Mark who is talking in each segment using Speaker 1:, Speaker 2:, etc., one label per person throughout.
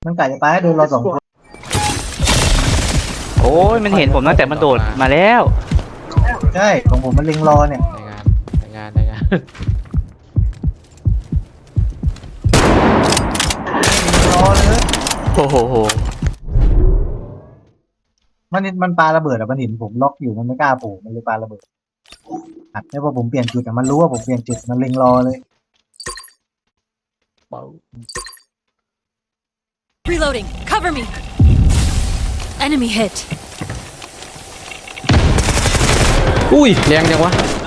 Speaker 1: มันกะจะไปให้โดนเราสองคน
Speaker 2: โอ้ยมันเห็นผมตั้งแต่มันโดดมาแล้ว
Speaker 1: ใช่ของผมมันเล็งรอเนี่ย
Speaker 3: ในงาน
Speaker 1: รอเลย
Speaker 2: โอ้โห
Speaker 1: มันปาระเบิดอะมันเห็นผมล็อกอยู่มันไม่กล้าโผล่มันเลยปาระเบิดอัดให้พอผมเปลี่ยนจุดแต่มันรู้ว่าผมเปลี่ยนจุดมันเล็งรอเลย
Speaker 3: เบา
Speaker 4: Reloading. Cover me. Enemy hit.
Speaker 3: อุ้ยแรงจังวะ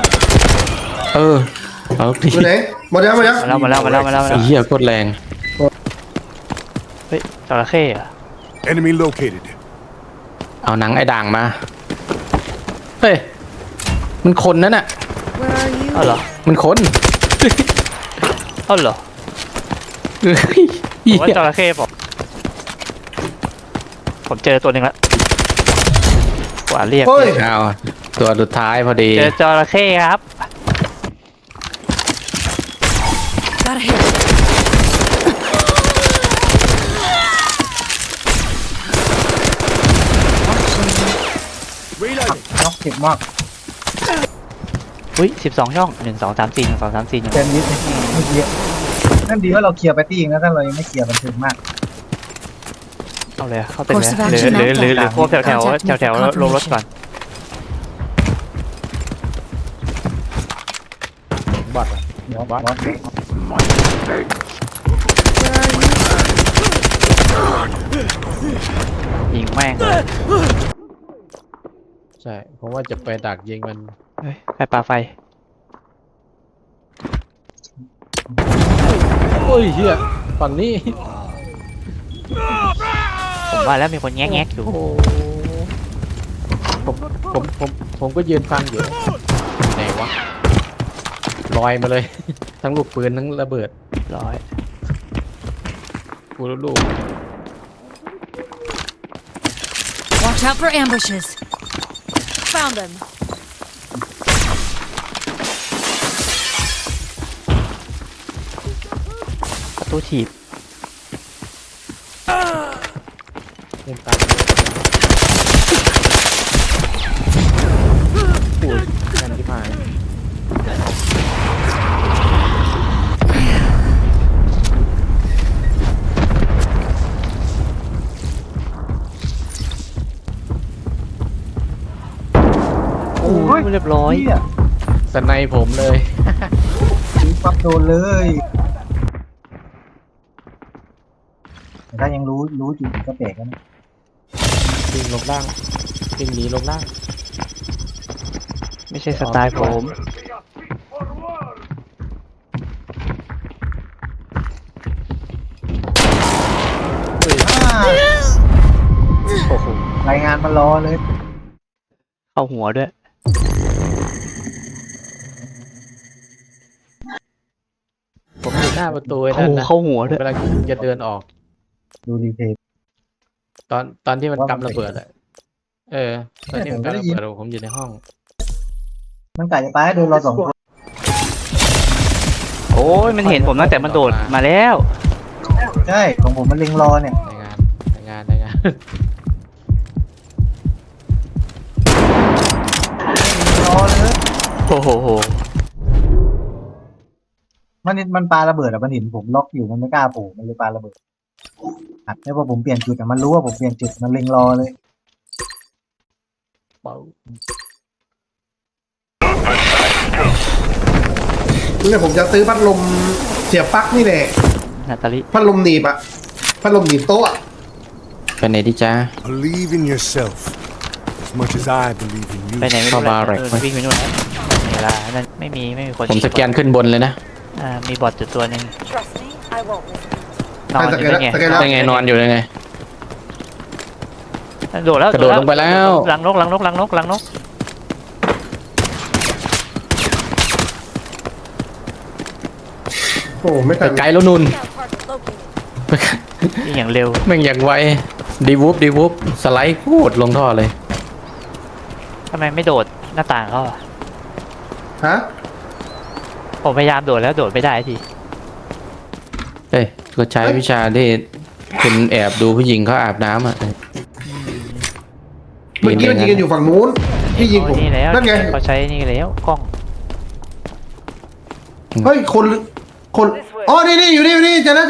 Speaker 3: เอาดิ
Speaker 5: อยู่ไหนหมดแล้ว
Speaker 2: มาแล้ว
Speaker 3: ไอ้เหี้ยโคตรแรง
Speaker 2: เฮ้ยจระเข้อะ
Speaker 6: Enemy located.
Speaker 3: เอาหนังไอ้ด่างมาเฮ้ยมันคนนั่นน่ะ
Speaker 4: Where are you?
Speaker 2: เอาเหรอ
Speaker 3: มันคน
Speaker 2: เอาเหรอ
Speaker 3: เฮ้ย
Speaker 2: ผมว่าจระเข้ผมเจอตัวหนึ่งแล้วกว่าเรียก
Speaker 5: เฮ้ย
Speaker 3: เอาตัวสุดท้ายพอดี
Speaker 2: เจอจระเข้ครับ
Speaker 4: Got a hit.
Speaker 1: ล็อกเจ็บมาก
Speaker 2: อุ้ย12 ช่อง1 2 3 4 1 2 3 4 1
Speaker 1: เต็มนิดเมื่อกี้นั่นดีว่าเราเคลียร์ไปตี้เองนะถ้าเรายังไม่เคลียร์มันถึงมาก
Speaker 2: เอาเลยเข้าเต็ม
Speaker 4: Course
Speaker 2: เลย
Speaker 4: of
Speaker 2: หรือ
Speaker 4: action
Speaker 2: หรือ
Speaker 4: now.
Speaker 2: พวกแถว
Speaker 4: Contact me for
Speaker 2: ลงรถก่อน
Speaker 3: บอด
Speaker 1: เดี๋ยว
Speaker 3: บอส
Speaker 1: บอส
Speaker 2: ยิงแม่งเลย
Speaker 3: ใช่เพราะว่าจะไปดักยิงมัน
Speaker 2: เฮ้ยใครปาไฟ
Speaker 3: โอ้ยเหี้ยฝั่งนี้
Speaker 2: ผมว่าแล้วมีคนแงกอยู่
Speaker 3: โอ้โหผมก็ยืนฟังอยู่ไหนวะลอยมาเลย ทั้งลูกปืนทั้งระเบิด
Speaker 2: ร้อย
Speaker 3: กูลูก
Speaker 4: Watch out for ambushes. Found them.
Speaker 2: ประตูถีบ
Speaker 3: เล่นตามปูดกันที่พาย
Speaker 2: โอ้ยเรียบร้อย
Speaker 1: เหี้ย
Speaker 3: สไนผมเลย
Speaker 1: ยิงปั๊บโดนเลยแต่ถ้ายังรู้จุดก็แปลกแล้วนะ
Speaker 3: วิ่งลงล่างวิ่งหนีลงล่าง
Speaker 2: ไม่ใช่สไตล์ผม
Speaker 1: อ่า
Speaker 2: โอ้โห
Speaker 1: รายงานมารอเลย
Speaker 2: เข้าหัวด้วย
Speaker 3: ผมอยู่หน้าประตูไอ้
Speaker 2: เข้า
Speaker 3: นั่น
Speaker 2: หู
Speaker 3: นะ
Speaker 2: เข้าหัวด้วย
Speaker 3: เวลาจะเดินออก
Speaker 1: ดูรีเพย์
Speaker 3: ตอนที่มันกำระเบิดอะตอนที่มันกำระเบิดผมอยู่ในห้อง
Speaker 1: มันกะจะไปให้โดนเราสองคน
Speaker 2: โอ้ยมันเห็นผมตั้งแต่มันโดดมาแล้ว
Speaker 1: ใช่ของผมมันเล็งรอเนี่ย
Speaker 3: ในงาน
Speaker 1: รอเลย
Speaker 2: โอ้โห
Speaker 1: มันปาระเบิดอะมันเห็นผมล็อกอยู่มันไม่กล้าโผล่มันเลยปาระเบิดอัดให้พอผมเปลี่ยนจุดแต่มันรู้ว่าผมเปลี่ยนจุดมันเล็งรอเลย
Speaker 3: เบา
Speaker 5: เนี่ยผมจะซื้อพัดลมเสียบปลั๊กนี่แหละ
Speaker 2: นาตาลิ
Speaker 5: พัดลมหนีบอะพัดลมหนีบโต๊ะอะ
Speaker 3: ไปไหนดีจ้า
Speaker 6: Believe in yourself as much as I believe in you.
Speaker 2: ไปไหนไม่รู้
Speaker 3: เข้าบาร์
Speaker 2: แห
Speaker 3: แร็
Speaker 2: ละ
Speaker 3: ก
Speaker 2: วิ่งไปนู่นแล้วเวลานั่นไม่มีคน
Speaker 3: ผมสแกนขึ้นบนเลยนะ
Speaker 2: มีบอทจุดตัวหนึ่ง
Speaker 4: Trust me, I won't miss
Speaker 2: นอนอยู่ได้ไง
Speaker 3: ได้ไงนอนอยู่ได้ไง
Speaker 2: โดดแล้ว
Speaker 3: กระโดดลงไปแล้ว
Speaker 2: หลังนก
Speaker 5: โอ้ไม่ทัน
Speaker 3: ไกลแล้วนุ่น
Speaker 4: Target located.
Speaker 2: นี่อย่างเร็ว
Speaker 3: แม่งอย่างไวดีวูฟสไลด์โคตรลงท่อเลย
Speaker 2: ทำไมไม่โดดหน้าต่างเขาอะ
Speaker 5: ฮะ
Speaker 2: ผมพยายามโดดแล้วโดดไม่ได้ที
Speaker 3: เฮ้ยก็ใช้วิชาที่คุณแอบดูผู้หญิงเขาอาบน้ำอ่ะ
Speaker 5: เมื่อกี้มันยิงกันอยู่ฝั่งนู้นพี่ยิงผม
Speaker 2: นี่แล้ว
Speaker 5: นั่นไง
Speaker 2: เขาใช้นี่แล้วกล้อง
Speaker 5: เฮ้ยคนอ๋อนี่อยู่นี่เจอแล้ว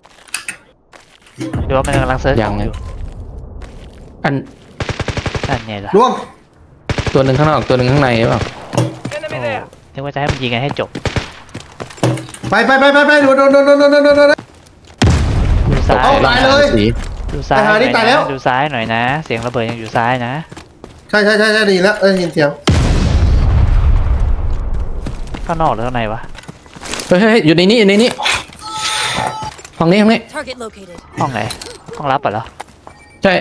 Speaker 2: ดูว่ามันกำลังเซิร์ช
Speaker 3: ยัง
Speaker 2: อ
Speaker 3: ไง
Speaker 2: ยู่
Speaker 3: อัน
Speaker 2: นั่นไงล่ะ
Speaker 5: ล่วง
Speaker 3: ตัวหนึ่งข้างนอกตัวหนึ่งข้างในหรือเปล่า
Speaker 2: นึกว่าจะให้มันยิงกันให้จบ
Speaker 5: ไปโดน
Speaker 2: ดูซ้าย
Speaker 5: เอาตายเลย
Speaker 3: สี
Speaker 2: ดูซ้าย
Speaker 5: ไปหานี่
Speaker 2: หน่
Speaker 5: ตา
Speaker 2: อย ย
Speaker 5: แล้
Speaker 2: นะ
Speaker 5: ว
Speaker 2: ดูซ้ายหน่อยนะ เสียงระเบิดยังอยู่ซ้ายนะ
Speaker 5: ใช่ดีแล้วยินเสียง
Speaker 2: ข้างนอกหรือข้างในวะ
Speaker 3: เฮ้ยอยู่ในนี้ห้องนี้
Speaker 4: Target located.
Speaker 2: ห้องไหนห้องลับเหรอ
Speaker 3: ใช่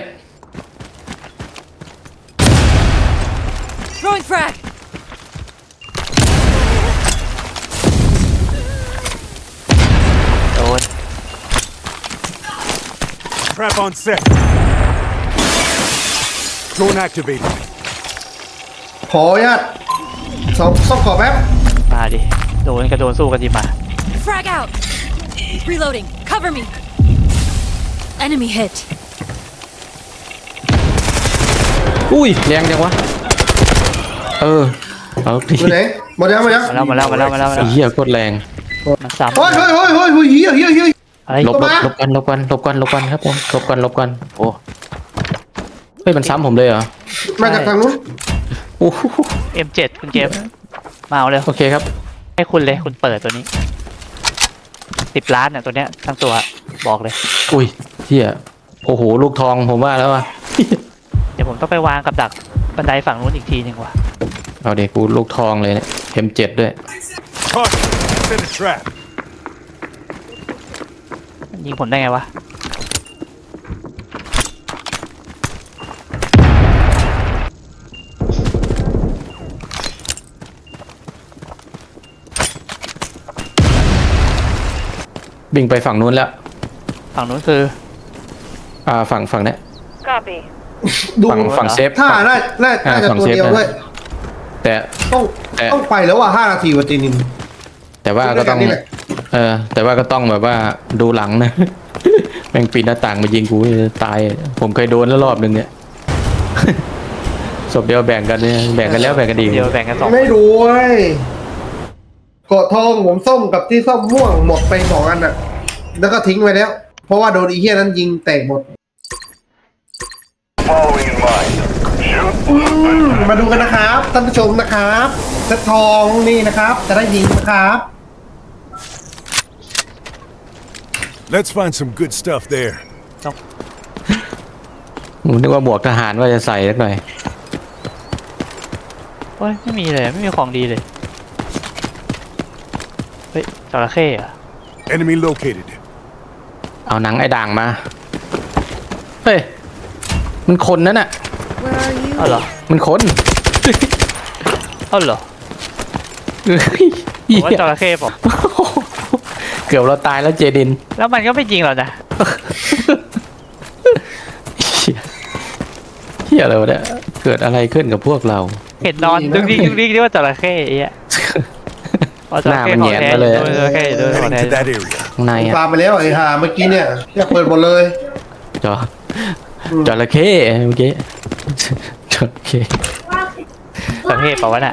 Speaker 4: Throwing frag.
Speaker 2: โดน
Speaker 6: Trap on set. Drone activated.
Speaker 5: ขออนุญาตซ่อมขอแป๊บ
Speaker 2: มาดิโดนกระโดนสู้กันดีมา
Speaker 4: Frag out. Reloading. Cover me. Enemy hit.
Speaker 3: อุ้ยแรงจังวะเอาดิ
Speaker 5: อยู่ไหนหมดยัง
Speaker 2: มาแล้ว
Speaker 3: ไอ้เหี้ยโคตรแรง
Speaker 2: มันซ้ำ
Speaker 5: เฮ้ยเฮีย
Speaker 2: อะไร
Speaker 3: หลบกันครับผมหลบกันโอ้เฮ้ยมันซ้ำผมเลยเหรอ
Speaker 5: มาจากทางนู้น
Speaker 3: โอ้โห
Speaker 2: M7 คุณเกมมาเอาเลย
Speaker 3: โอเคครับ
Speaker 2: ให้คุณเลยคุณเปิดตัวนี้10 ล้านเนี่ยตัวเนี้ยทั้งตัวบอกเลย
Speaker 3: อุ้ยเหี้ยโอ้โหลูกทองผมว่าแล้วว่ะ
Speaker 2: เดี๋ยวผมต้องไปวางกับดักบันไดฝั่งนู้นอีกทีหนึ่งว่ะ
Speaker 3: เอาเด็กกูลูกทองเลยเนี่ย M7 ด้วย
Speaker 6: Caution. Set a trap.
Speaker 2: ยิงผมได้ไงวะ
Speaker 3: บิงไปฝั่งนู้นแล้ว
Speaker 2: ฝั่งนู้นคือ
Speaker 3: ฝั่งเนี้ย
Speaker 4: Copy.
Speaker 5: ดู
Speaker 3: ฝั่งเซฟ
Speaker 5: ถ้าน่าจะตัวเดียวด้วย
Speaker 3: แต่
Speaker 5: ต้องไปแล้วว่า5 นาทีวันจีนิน
Speaker 3: แต่ว่าก็ต้อง
Speaker 5: นี่แหละ
Speaker 3: แต่ว่าก็ต้องแบบว่าดูหลังนะ แม่งปีนหน้าต่างมายิงกูตาย ผมเคยโดนแล้วรอบนึงเนี่ย ศพเดียวแบ่งกันเนี่ยแบ่งกันแล้วแบ่งกันอีก
Speaker 2: เดี๋ยวแบ่งกันสอง
Speaker 5: ไม่รู้เว้ยเกาะทองผมส้มกับที่ส้มม่วงหมดไป2 อันน่ะ แล้วก็ทิ้งไปแล้ว เพราะว่าโดนอีเหี้ยนั้นยิงแตกหมด
Speaker 7: Following in mind. Shoot.
Speaker 5: มาดูกันนะครับท่านผู้ชมนะครับเซตทองนี่นะครับ จะได้ยิงนะครับ
Speaker 6: Let's find some good stuff there.
Speaker 3: ผมนึกว่าหมวกทหารว่าจะใส่สักหน่อย
Speaker 2: โอ้ยไม่มีเลยไม่มีของดีเลยเฮ้ยจระเข้เหรอะ
Speaker 6: Enemy located.
Speaker 3: เอาหนังไอ้ด่างมา เฮ้ย มันคนนั่นน่ะ
Speaker 4: Where are you?
Speaker 2: เอ้าเหรอ
Speaker 3: มันคน
Speaker 2: เอ้าเหรอ
Speaker 3: เฮ้ย
Speaker 2: ผมว่าจระเข้ผม
Speaker 3: เกือบเราตายแล้วเจดิน
Speaker 2: แล้วมันก็ไม่จริงหรอกนะ
Speaker 3: เฮียอะไรวะเนี่ย เกิดอะไรขึ้นกับพวกเรา
Speaker 2: เห็นนอนดึงดิ๊กที่ว่าจระเข้ไอ้เหี้ยอ๋อจระเข้
Speaker 3: หน้ามัน
Speaker 2: ของ
Speaker 3: แหยน
Speaker 2: แท้
Speaker 3: มาเลย
Speaker 2: โดนจระเข้โดนของ
Speaker 6: Heading
Speaker 2: แท้
Speaker 6: to that area.
Speaker 3: ข้างในอะ
Speaker 5: ตามไปแล้วไอ้ห่าเมื่อกี้เนี่ยอยากเปิดหมดเลย
Speaker 3: จระเข้เมื่อกี้จระเข้
Speaker 2: จระเข้เปล่าวะน่ะ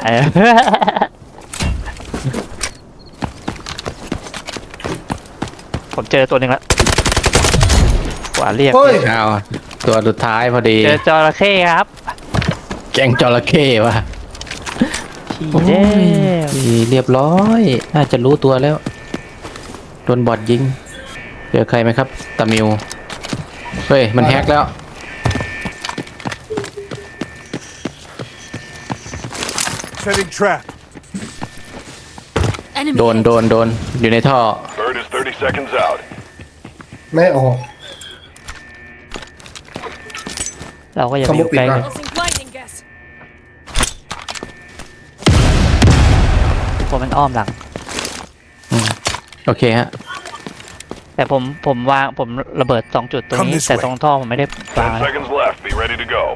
Speaker 2: ผมเจอตัวหนึ่งแล้วกว่าเรียก
Speaker 5: เฮ้ย
Speaker 3: เอาตัวสุดท้ายพอดี
Speaker 2: เจอจระเข้ครับ
Speaker 3: แกงจระเข้ว่ะ
Speaker 2: ขี่
Speaker 3: โอ้
Speaker 2: เด้
Speaker 3: ยเรียบร้อย น่าจะรู้ตัวแล้ว โดนบอดยิงเจอใครไหมครับตามิว เฮ้ย มันแฮกแล้ว
Speaker 6: Setting trap.
Speaker 4: Enemy
Speaker 3: โดน
Speaker 4: hit.
Speaker 3: โดนอยู่ในท่อ
Speaker 7: Bird is 30 seconds out.
Speaker 5: ไม่ออก
Speaker 2: เราก็อย่าไปอยู่ใกล้กัน
Speaker 4: Pulsing blinding gas.
Speaker 2: กลัวมันอ้อมหลัง
Speaker 3: โอเคฮะ
Speaker 2: แต่ผมวางผมระเบิด2 จุดตรง
Speaker 6: Come
Speaker 2: นี้
Speaker 6: this
Speaker 2: แต่
Speaker 6: way
Speaker 2: ตรงท่อผมไม่ได้วาง
Speaker 7: 10
Speaker 2: นะ
Speaker 7: seconds left. Be ready to go.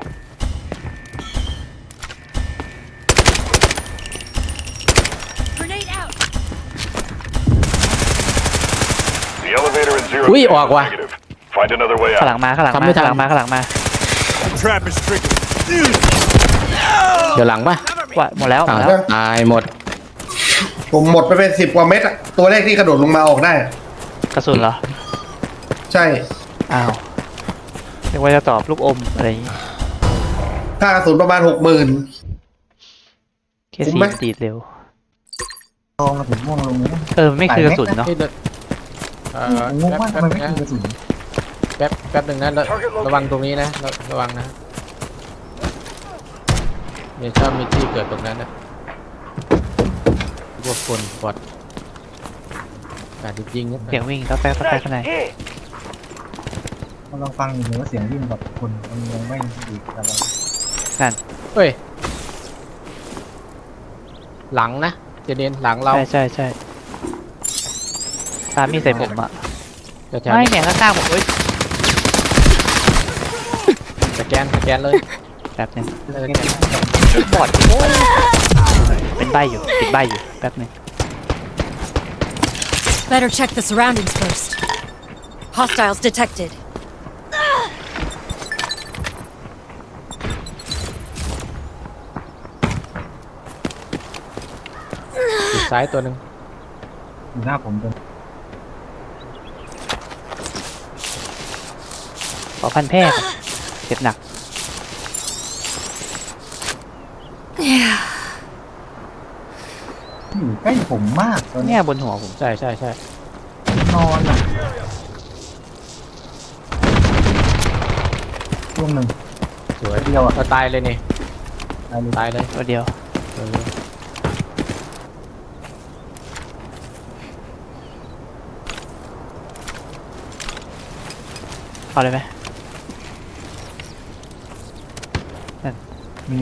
Speaker 4: Grenade out.
Speaker 7: The elevator at 0.
Speaker 3: อุ้ยออกว่ะ
Speaker 7: Negative. Find another way
Speaker 2: ข้างหลั
Speaker 7: out.
Speaker 2: งมาข้างหลัง
Speaker 3: ทำ
Speaker 2: มา
Speaker 3: ไม่ทั
Speaker 2: ข้าน งหลังมาข้างหลังมา
Speaker 6: Trap is triggered.
Speaker 3: เดี๋ยวหลังปะ
Speaker 2: ว่าหมดแล้วหมดแล้ว
Speaker 3: ตายหมด
Speaker 5: ผมหมดไปเป็น10 กว่าเม็ดอะตัวแรกที่กระโดดลงมาออกได้
Speaker 2: กระสุนเหรอ
Speaker 5: ใช่
Speaker 2: อ้าวเรียกว่าจะตอบลูกอมอะไรอย่างงี้
Speaker 5: ค่ากระสุนประมาณ 60,000
Speaker 2: เคส
Speaker 5: คุ้
Speaker 2: ซี
Speaker 5: มไหม
Speaker 2: ดีดเร็ว
Speaker 1: ทองกับผมม่วงลงเลยนะ
Speaker 2: มันไม่คือกระสุนเนาะ
Speaker 3: เฮ้ย
Speaker 1: ผมงงว่าทำไมไม่คือกระสุน
Speaker 3: แป๊บหนึ่งนะระวังตรงนี้นะระวังนะเนี่ยชอบมีที่เกิดตรงนั้นนะพวกคนบอดการจริงๆนะ
Speaker 2: เสียงวิ่งต๊อกแต๊กต๊อกแต๊กข้างใน
Speaker 1: เราลองฟังอยู่เลยว่าเสียงวิ่งแบบคนมันยังไม่ดีอะไร
Speaker 3: เฮ้ยหลังนะเจเดนหลังเรา
Speaker 2: ใช่ตามมีดใส่ผมอะ
Speaker 3: แถว
Speaker 2: ไม่
Speaker 3: นี้
Speaker 2: เนี่ยข้างๆผมเอ้ย
Speaker 3: สแกนเลย
Speaker 2: แป๊บนึงบอดเป็นใบอยู่ติดใบอยู่แป๊บนึง
Speaker 4: Better check the surroundings first. Hostiles detected.
Speaker 3: ติดซ้ายตัวหนึ่ง
Speaker 1: อยู่หน้าผมเป็น
Speaker 2: ขอพันแพร่ก่อนเจ็บหนัก
Speaker 1: อยู่ใกล้ผมมากตอน
Speaker 2: เนี่
Speaker 1: เนี้
Speaker 2: ย
Speaker 1: ย
Speaker 2: บนหัวผม
Speaker 3: ใช่
Speaker 1: นอนอ่ะช่วงหนึ่ง
Speaker 3: สวย
Speaker 1: เดียวอ่ะ
Speaker 3: เราตายเลยนี่
Speaker 1: ตายเลย
Speaker 3: ตายเลย
Speaker 2: ตัวเดียว
Speaker 3: เออ
Speaker 2: เอาเลยไหม
Speaker 1: มี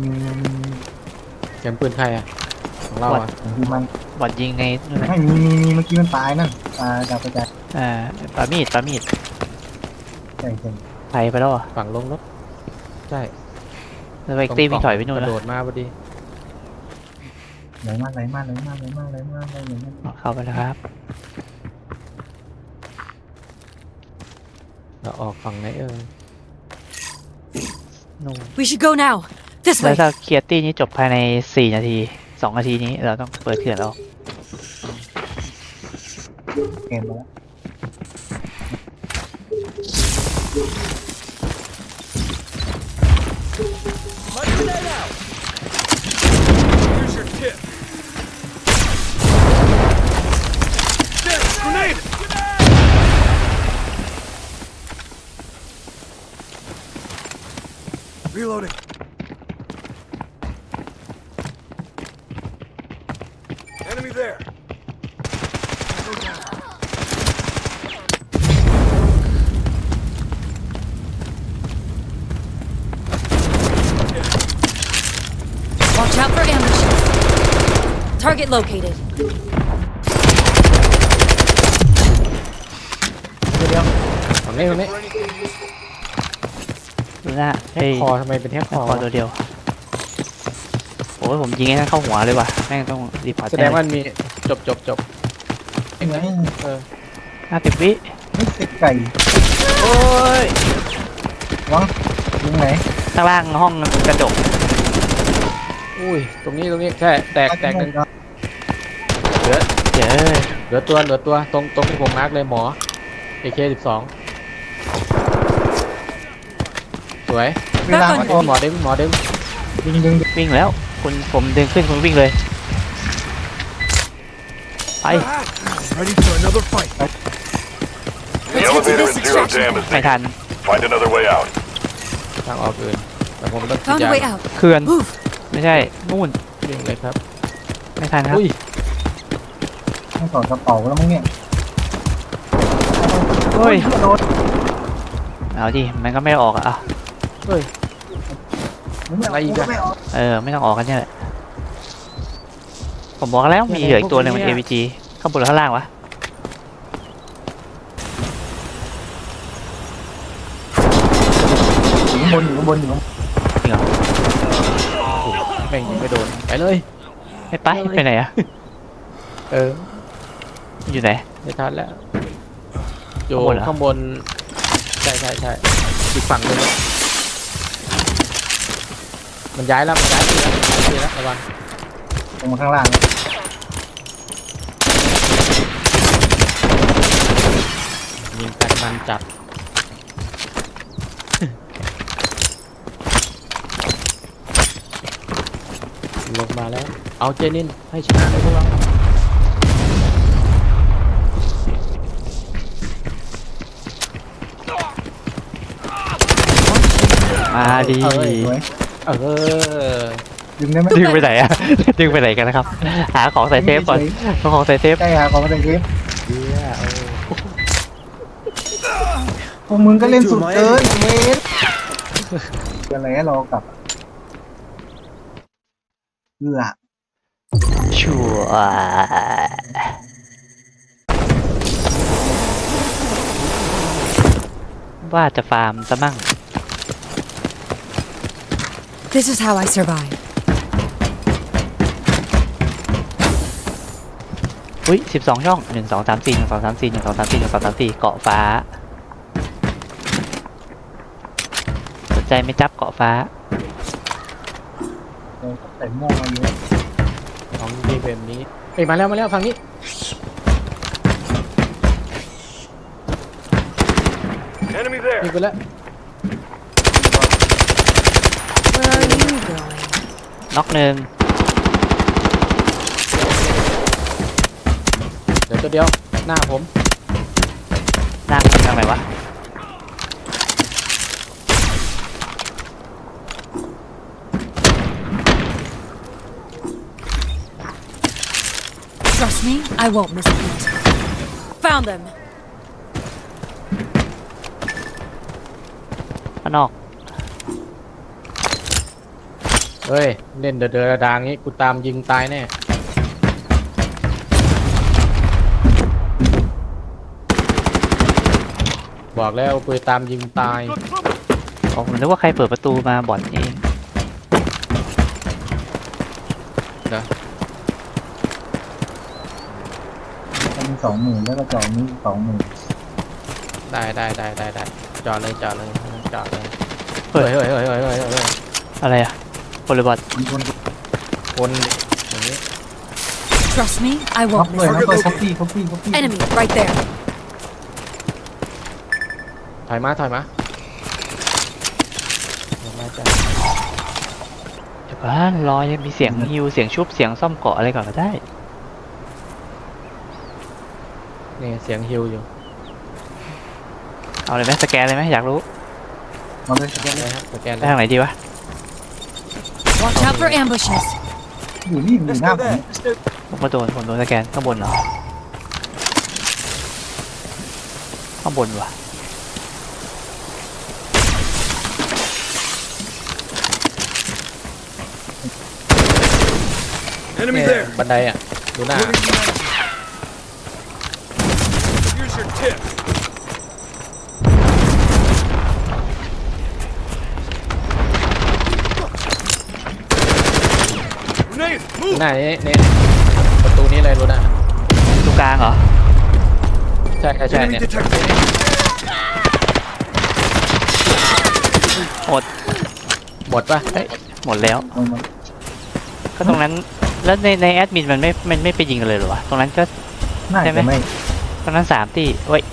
Speaker 3: เสียงปืนใครอ่ะของเราอ่ะ
Speaker 1: บางทีมัน
Speaker 2: บอดยิงในนู่นนะ
Speaker 1: ไม่มีเมื่อกี้มันตายนั่นตายดาวกระจาย
Speaker 2: ปามีด
Speaker 1: ใช่ใช่
Speaker 2: ไปไปแล้วอ่ะ
Speaker 3: ฝั่งลงรถใช่
Speaker 2: แล้วไปตีวิ่งถอยไปนู่น
Speaker 3: ก
Speaker 2: แล้
Speaker 3: ระ
Speaker 2: ว
Speaker 3: โดดมาพอดี
Speaker 1: ไหลมา
Speaker 2: เข้าไปแล้วครับ
Speaker 3: เราออกฝั่งไหน
Speaker 2: นู่น
Speaker 4: We should go now. This
Speaker 2: แล้ว
Speaker 4: way.
Speaker 2: ถ้าเคลียร์ตี้นี้จบภายใน4 นาที 2 นาทีนี้เราต้องเปิดเขื่อนแล้ว
Speaker 1: เกมไปแล้ว
Speaker 6: Here's your tip. Grenade! Reloading. Enemy there. Go down.
Speaker 4: Watch out for ambushes. Target located.
Speaker 3: ฝั่งนี้
Speaker 2: ดูหน้าเฮ้ย
Speaker 3: คอทำไมเป็นแค่คอ
Speaker 2: คอตัวเดียว โอ้ยผมยิงให้นั่นเข้าหัวเลยว่ะ แม่งต้องรีพอร์ต
Speaker 3: แสดงว่ามันมีจบ
Speaker 1: ยังไง
Speaker 2: 50 วิ
Speaker 1: ไม่เซ็กไก่
Speaker 2: โอ้ย
Speaker 1: วะยิงไหน
Speaker 2: ข้างล่างห้องกระจก
Speaker 3: อุ้ยตรงนี้ใช่แตกหนึ่งเหลือ
Speaker 2: เจอ
Speaker 3: เหลือตัวตรงที่ผมมาร์กเลยหมอ AK12 สวย
Speaker 1: เวลา
Speaker 3: หมอดึง
Speaker 1: ดึง
Speaker 2: วิ่งแล้ว ผมดึงขึ้นคุณวิ่งเลย ไป
Speaker 6: Ready for another fight.
Speaker 7: The
Speaker 4: Let's head to
Speaker 7: elevator
Speaker 4: this
Speaker 7: in zero
Speaker 4: extraction.
Speaker 7: jam is
Speaker 2: ไม่ทัน
Speaker 7: Find another way out.
Speaker 3: ทางออกอื่นแต่ผมต้อง
Speaker 4: Found a way out.
Speaker 2: เขื่อน
Speaker 4: Move.
Speaker 2: ไม่ใช่นู่น
Speaker 3: วิ่งเลยครับ
Speaker 2: ไม่ทันครับ
Speaker 3: อุ้ย
Speaker 1: ให้สอดกระเป๋าแล้วมั้งเนี่ย
Speaker 2: เฮ้ย
Speaker 1: โดน
Speaker 2: เอาดิ มันก็ไม่ออกอ่ะ
Speaker 3: เฮ้ย
Speaker 1: อะไรอีกอะ
Speaker 2: ไม่ต้องออกกันเนี่ยแหละผมบอกแล้วมีเหลืออีกตัวหนึ่งมัน AVG ข้างบนหรือข้างล่างวะ
Speaker 1: อยู่ข้างบนอยู่ข้างบนอยู่ข้างบน
Speaker 2: จริงเหรอ
Speaker 3: แม่งยิงไม่โดนไปเลย
Speaker 2: ไม่ไปไหนอะ
Speaker 3: เออ
Speaker 2: อยู่ไหน
Speaker 3: ไม่ทันแล้วอยู่
Speaker 2: ข้างบนเหรอ
Speaker 3: ข้างบนช่อีกฝั่งนึงมันย้ายแล้วที่แล้วระวัง
Speaker 1: ลงมาข้างล่างนะ
Speaker 3: ยิงกันมันจัด ลงมาแล้ว เอาเจนินให้ชนะเลยพวกเรา
Speaker 2: มาดี
Speaker 1: สวย ดึงได้ไหม
Speaker 2: ดึงไปไหนอะ ดึงไปไหนกันนะครับ หาของใส่เซฟก่อนเอาของใส่เซฟ
Speaker 1: ใช่ฮะของมาจากเทป
Speaker 3: เฮียโอ้
Speaker 1: พวกมึงก็เล่นสุดเกินเว้ยอะไรให้เรากลับเพื่อ
Speaker 2: ชัวว่าจะฟาร์มซะมั่ง
Speaker 4: This is how I survive.
Speaker 2: อุ้ย12 ช่อง 1 2 3 4 1 2 3 4 1 2 3 4 1 2 3 4 เกาะฟ้า สนใจไหม่จับเกาะฟ้า
Speaker 1: ใส่ม่วงมาเยอะ
Speaker 3: ของดีแบบนี้เอ้ยมาแล้วฝั่งนี้
Speaker 7: Enemy there.
Speaker 3: ยิงไปแล้ว
Speaker 4: Where are you going?
Speaker 2: น็อกหนึ่ง
Speaker 3: เดี๋ยวตัวเดียวหน้าผม
Speaker 2: นั่งทางไหนวะ
Speaker 4: Trust me, I won't miss a beat. Found them.
Speaker 2: ข้างนอก
Speaker 3: เฮ้ยเล่นเดือดดางงี้กูตามยิงตายแน่บอกแล้วกูตามยิงตาย
Speaker 2: ผมนึกว่าใครเปิดประตูมาบ่อนเอง
Speaker 1: มันมี20,000แล้วก็จอนี้20,000
Speaker 3: ได้จอดเลยเฮ้ย
Speaker 2: อะไรอะคนหรือบอท
Speaker 1: มีคน
Speaker 3: คนอย่างนี้
Speaker 4: Trust me, I
Speaker 1: ท็อป
Speaker 4: won't
Speaker 1: เลย
Speaker 4: miss
Speaker 1: นะ
Speaker 4: a
Speaker 1: เปิด
Speaker 4: beat.
Speaker 1: ท็อปปี้
Speaker 4: Enemy right there.
Speaker 3: ถอยมาจ้ะ
Speaker 2: เดี๋ยวก่อนรอยังมีเสียงฮิวเสียงชุบเสียงซ่อมเกาะอะไรก่อนก็ได้
Speaker 3: นี่เสียงฮิวอยู่
Speaker 2: เอาเลยไหมสแกนเลยไหมอยากรู้
Speaker 1: มาเลย
Speaker 3: สแกนเลยครับสแกนเล
Speaker 2: ไป
Speaker 3: ย
Speaker 2: ทางไหนดีวะ
Speaker 4: Watch out for ambushes.
Speaker 1: อยู่นี่อยู่หน้าผม
Speaker 2: ผมโดนสแกนข้างบนเหรอ ข้างบนวะ
Speaker 7: Enemy
Speaker 3: เนี่ย
Speaker 7: there.
Speaker 3: บันไดอ่ะดูหน้า
Speaker 7: Here's your tip. Grenade,
Speaker 3: ดู
Speaker 7: move.
Speaker 3: หน้านี่ประตูนี้เลยดูหน้า
Speaker 2: ตรงกลางเหรอ
Speaker 3: ใช่เนี่ย
Speaker 7: Enemy detected.
Speaker 2: หมด
Speaker 3: หมดปะ
Speaker 2: เอ้ยหมดแล้ว
Speaker 1: มัน
Speaker 2: ก็ตรงนั้น แล้วในแอดมินมันไม่ไปยิงกันเลยเหรอวะ ตรงนั้นก็
Speaker 1: น่า
Speaker 2: ใช่ไหม
Speaker 1: จะไม่
Speaker 2: ตรงนั้น3 ตีเว้ย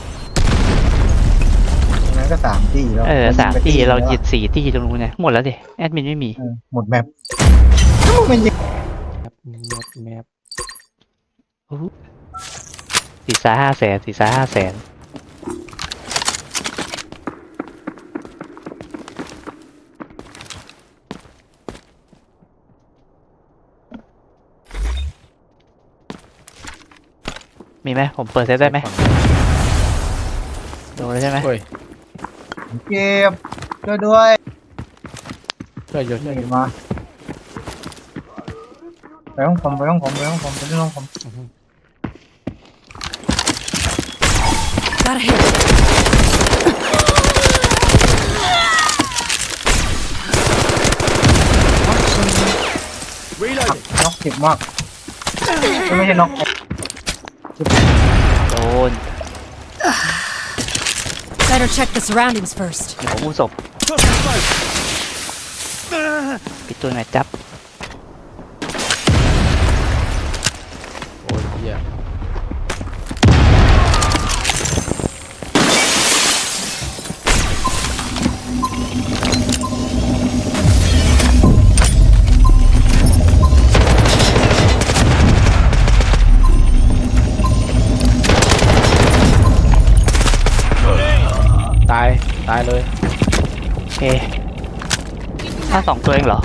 Speaker 1: ตรงนั้นก็3 ที่แล้ว
Speaker 2: 3 ตีเราหยิ
Speaker 1: ด
Speaker 2: ด4 ตีตรงนู้นเนี่ยหมดแล้วดิ แอดมินไม่มี
Speaker 1: หมดแมปมันยิง
Speaker 3: แมป
Speaker 2: 4-5 แสนมีไหมผมเปิดเซฟได้ไหมโดนแล้วใช่ไหม
Speaker 3: เฮ้ย
Speaker 1: เก็บช่วยด้วย
Speaker 3: ช่วยหยุด
Speaker 1: เห็นมาไปห้องผมไปเรื่องห้องผม
Speaker 4: Got a hit.
Speaker 1: น็อกเจ็บมากไม่ใช่น็อก
Speaker 2: โดน
Speaker 4: That Better check the surroundings first.
Speaker 2: เดี๋ยวผมอุ้มศพปิดตัวหน่อยจับ
Speaker 3: โอ้ยเหี้ย ตายเลย
Speaker 2: โอเคถ้า2 ตัวเองเหรอ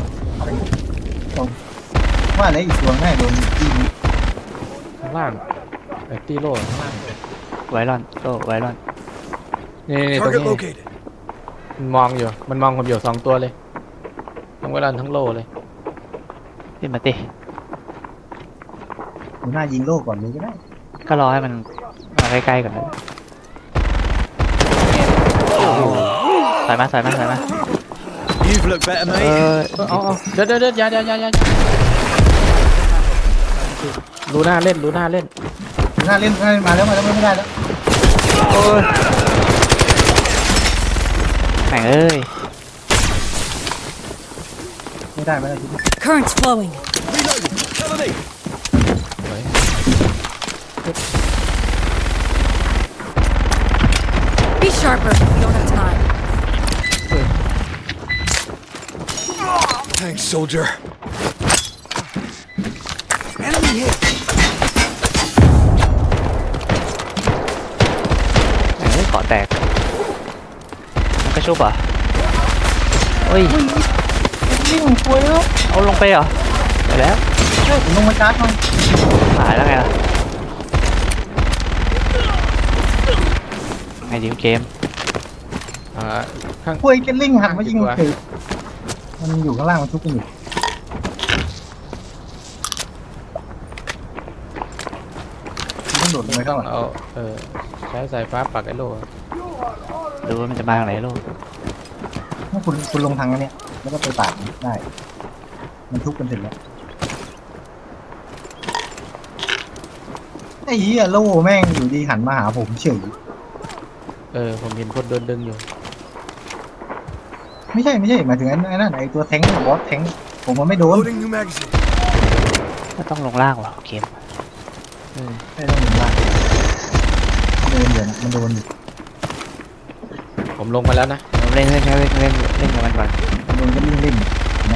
Speaker 1: ว่าอะไรอีกตัวง่ายโดนจี้
Speaker 3: ข้างล่างไอ้ตีโล่ข้างล่าง
Speaker 2: ไวรอนโตไวรอน
Speaker 3: นี่ตรง
Speaker 7: Target
Speaker 3: นี้
Speaker 7: located.
Speaker 3: มันมองอยู่ผมอยู่2 ตัวเลยทั้งเวลาทั้งโล่เลย
Speaker 2: ขึ้นมาติ
Speaker 1: หนูหน้ายิงโลกก่อนเลยก็ได้
Speaker 2: ก็รอให้มันมาใกล้ๆก่อนเลยถอยมา
Speaker 7: You've looked better,
Speaker 2: เอ
Speaker 7: mate.
Speaker 2: อ
Speaker 3: เอาเดี๋ยวอย่ารูหน้าเล่น
Speaker 1: หนูหน้าเล่นมาแล้วไม่ได้แล้ว
Speaker 2: โอ้ยแม่งเอ้ย
Speaker 1: ไม่ได้ทีนี้
Speaker 4: Current's flowing.
Speaker 7: Reloading. Cover me.
Speaker 4: Be sharper. We don't have time.
Speaker 7: Thanks, soldier. Enemy hit.
Speaker 2: แม่งเอ้ยเกาะแตกมันก็ชุบเหรอ่ะเฮ้ย
Speaker 1: ยิงคุยแล้ว
Speaker 2: เอาลงไปเหรอไปแล้ว
Speaker 1: ผมลงมาชาร์จมัน
Speaker 2: หายแล้วไงล่ะไงดีเกม
Speaker 3: ข้าง
Speaker 1: คุยกันลิงหันมายิงคือมันอยู่ข้างล่างมันทุบกันอยู่ต้องโดดลงไปข้างหลัง
Speaker 3: เอาใช้สายฟ้าปักไอ้โล่
Speaker 2: ดูว่ามันจะมาทางไหนลูก
Speaker 1: ถ้าคุณลงทางนี้แล้วก็ไปปาดได้ มันทุบกันเสร็จแล้วไอ้เหี้ยโล่แม่งอยู่ดีหันมาหาผมเฉย
Speaker 3: ผมเห็นคนเดินดึงอยู่
Speaker 1: ไม่ใช่หมายถึงไอ้นั่นไอ้ตัวแทงค์บอสแทงค์ผมมันไม่โดน
Speaker 7: Loading new magazine.
Speaker 2: ก็ต้องลงล่างว่ะเกม
Speaker 1: ไม่ต้องหนีล่างโดนเดี๋ยวนะมันโดนอยู่
Speaker 3: ผมลงมาแล้วนะ
Speaker 2: เล่นกับมันก่อน
Speaker 1: มันโดนก็ลิ่งลิ่งนะ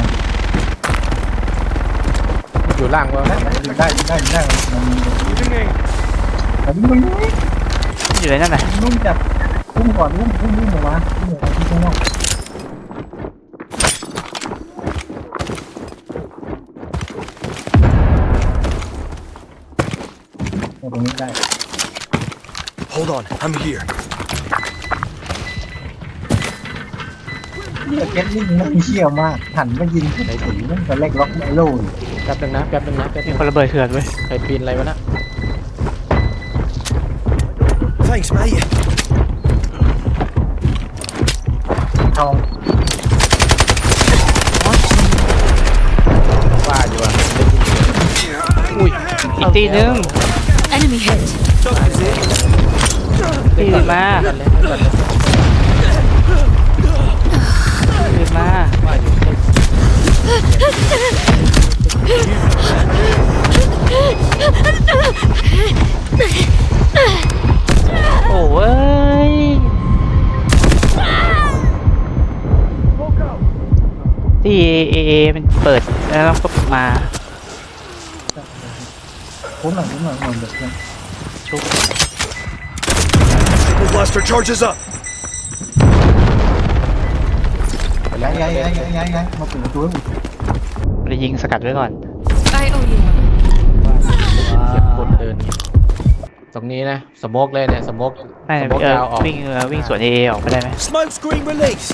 Speaker 3: อยู่ล่างว่า
Speaker 1: ได้มัน
Speaker 7: Moving in.
Speaker 1: แต่วิ่งมัน
Speaker 2: อยู่ในนั่นน่ะ
Speaker 1: นุ่มจับพุ่งก่อนพุ่งออกมาพุ่งออกมาที่ข้างนอกตรงนี้ได้
Speaker 7: Hold on. I'm here.
Speaker 1: นี่เก็ตลิ่งนั่งเชี่ยวมากหันมายิงไหนถึงนั่นก็เล็กล็อกไอโล่อยู่
Speaker 3: แป๊บนึงนะ
Speaker 2: มีคนระเบิดเถื่อนเว้ย
Speaker 3: ใครปีนอะไรวะนะ
Speaker 7: Thanks, mate.
Speaker 1: ทอง
Speaker 3: ว่าอยู่อ่ะ
Speaker 2: อีกตีนึง
Speaker 4: Enemy hit.
Speaker 2: ตีมา
Speaker 3: กันเลยกันเลย
Speaker 2: ตีมา
Speaker 3: ว่าอยู่
Speaker 2: โอ้ยที่เอมันเปิดแล้วก็มา
Speaker 1: คุ้มหน่อยเด็กเนี่ย
Speaker 2: ชุบ
Speaker 7: Triple blaster charges up.
Speaker 1: ย้ายมาปิดประตู
Speaker 2: ไปยิงสกัดไว้ก่อน
Speaker 4: I owe you one.
Speaker 3: เสียงคนเดิน ตรงนี้นะสโมกเลยเนี่ยสโมก
Speaker 2: ไม่
Speaker 3: สโมกยาวออก
Speaker 2: วิ่งสวนเอออกไปได้ไหม
Speaker 7: Smoke screen released.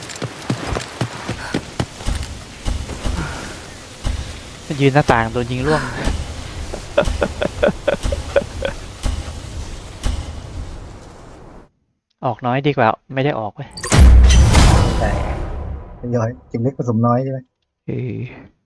Speaker 2: มันยืนหน้าต่างโดนยิงร่วง ออกน้อยดีกว่าไม่ได้ออกเว้ย
Speaker 1: แต่ย้อยเก็บเล็กผสมน้อยใช่ไหม
Speaker 2: เออ